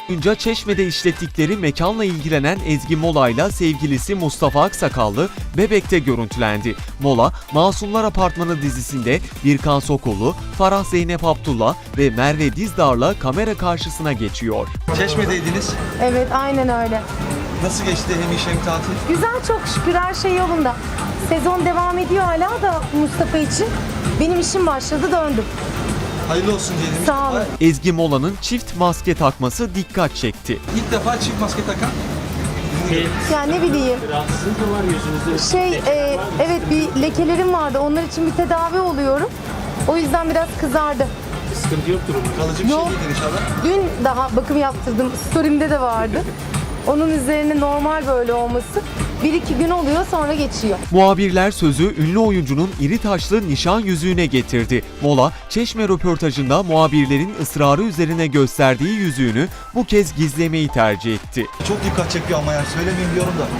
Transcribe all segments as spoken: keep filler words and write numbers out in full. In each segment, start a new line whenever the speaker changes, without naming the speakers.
Boyunca Çeşme'de işlettikleri mekanla ilgilenen Ezgi Mola'yla sevgilisi Mustafa Aksakallı Bebek'te görüntülendi. Mola, Masumlar Apartmanı dizisinde Birkan Sokullu, Farah Zeynep Abdullah ve Merve Dizdar'la kamera karşısına geçiyor.
Çeşme'deydiniz.
Evet, aynen öyle.
Nasıl geçti hem iş hem tatil?
Güzel, çok şükür her şey yolunda. Sezon devam ediyor hala da Mustafa için. Benim işim başladı, döndüm.
Hayırlı olsun diyelim.
Sağ olun.
Ezgi Mola'nın çift maske takması dikkat çekti.
İlk defa çift maske takan.
Ya ne bileyim.
Rahatsızlık mı var yüzünüzde?
Şey, e, evet bir lekelerim vardı. Onlar için bir tedavi oluyorum. O yüzden biraz kızardı.
Sıkıntı yoktur umarım.
Kalıcı bir
Yok.
şey değildir inşallah.
Dün daha bakım yaptırdım. Story'imde de vardı. Onun üzerine normal böyle olması. Bir iki gün oluyor, sonra geçiyor.
Muhabirler sözü ünlü oyuncunun iri taşlı nişan yüzüğüne getirdi. Mola, Çeşme röportajında muhabirlerin ısrarı üzerine gösterdiği yüzüğünü bu kez gizlemeyi tercih etti.
Çok dikkat çekiyor ama yani söylemeyeyim diyorum da.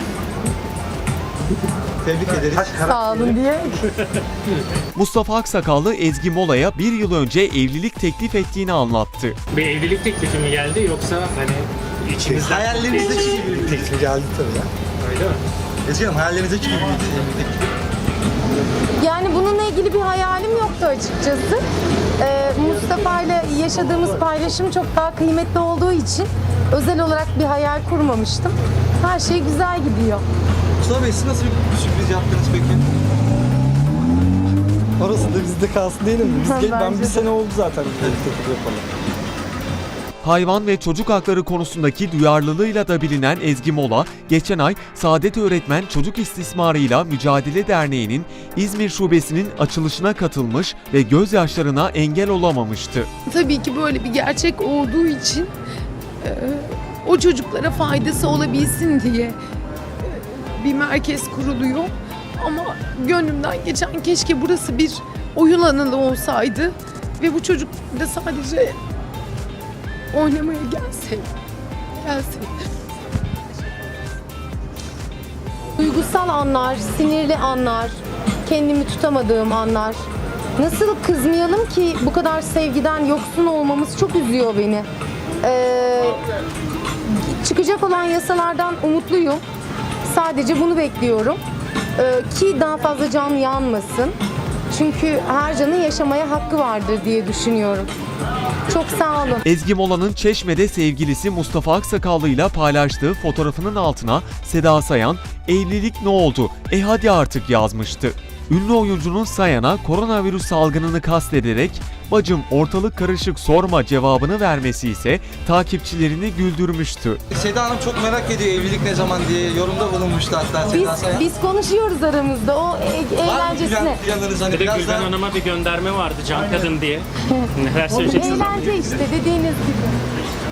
Tebrik ederiz.
Sağ olun diye.
Mustafa Aksakallı Ezgi Mola'ya bir yıl önce evlilik teklif ettiğini anlattı.
Bir evlilik teklifi mi geldi yoksa hani içimizden...
Hayallerinizdeki gibi bir teklif geldi tabii ya.
Öyle mi?
Ezgi Hanım hayallerinizdeki gibi bir teklif.
Yani bununla ilgili bir hayalim yoktu açıkçası. Ee, Mustafa ile yaşadığımız paylaşım çok daha kıymetli olduğu için özel olarak bir hayal kurmamıştım. Her şey güzel gidiyor.
Mustafa Bey siz nasıl bir sürpriz yaptınız peki?
Orası da bizde kalsın değil mi? Biz gel, ben
Bence
bir
de.
sene oldu zaten teklif yapalım.
Hayvan ve çocuk hakları konusundaki duyarlılığıyla da bilinen Ezgi Mola, geçen ay Saadet Öğretmen Çocuk İstismarıyla Mücadele Derneği'nin İzmir Şubesi'nin açılışına katılmış ve gözyaşlarına engel olamamıştı.
Tabii ki böyle bir gerçek olduğu için e, o çocuklara faydası olabilsin diye e, bir merkez kuruluyor. Ama gönlümden geçen keşke burası bir oyun alanı olsaydı ve bu çocuk da sadece oynamaya gelseydi. Gelseydi.
Duygusal anlar, sinirli anlar, kendimi tutamadığım anlar. Nasıl kızmayalım ki bu kadar sevgiden yoksun olmamız çok üzüyor beni. Ee, çıkacak olan yasalardan umutluyum. Sadece bunu bekliyorum. Ee, ki daha fazla can yanmasın. Çünkü her canın yaşamaya hakkı vardır diye düşünüyorum. Çok sağ olun.
Ezgi Mola'nın Çeşme'de sevgilisi Mustafa Aksakallı ile paylaştığı fotoğrafının altına Seda Sayan, "Evlilik ne oldu? E hadi artık" yazmıştı. Ünlü oyuncunun Sayan'a koronavirüs salgınını kastederek "Bacım ortalık karışık sorma" cevabını vermesi ise takipçilerini güldürmüştü.
Seda Hanım çok merak ediyor evlilik ne zaman diye yorumda bulunmuştu hatta
Biz,
Seda Sayan.
biz konuşuyoruz aramızda o e-
Var mı
eğlencesine.
plan- planlarınız hani
Bir de
biraz
Gülben
daha...
Hanım'a bir gönderme vardı Can Kadın diye. Neler söyleyeceksiniz?
Eğlence işte dediğiniz gibi.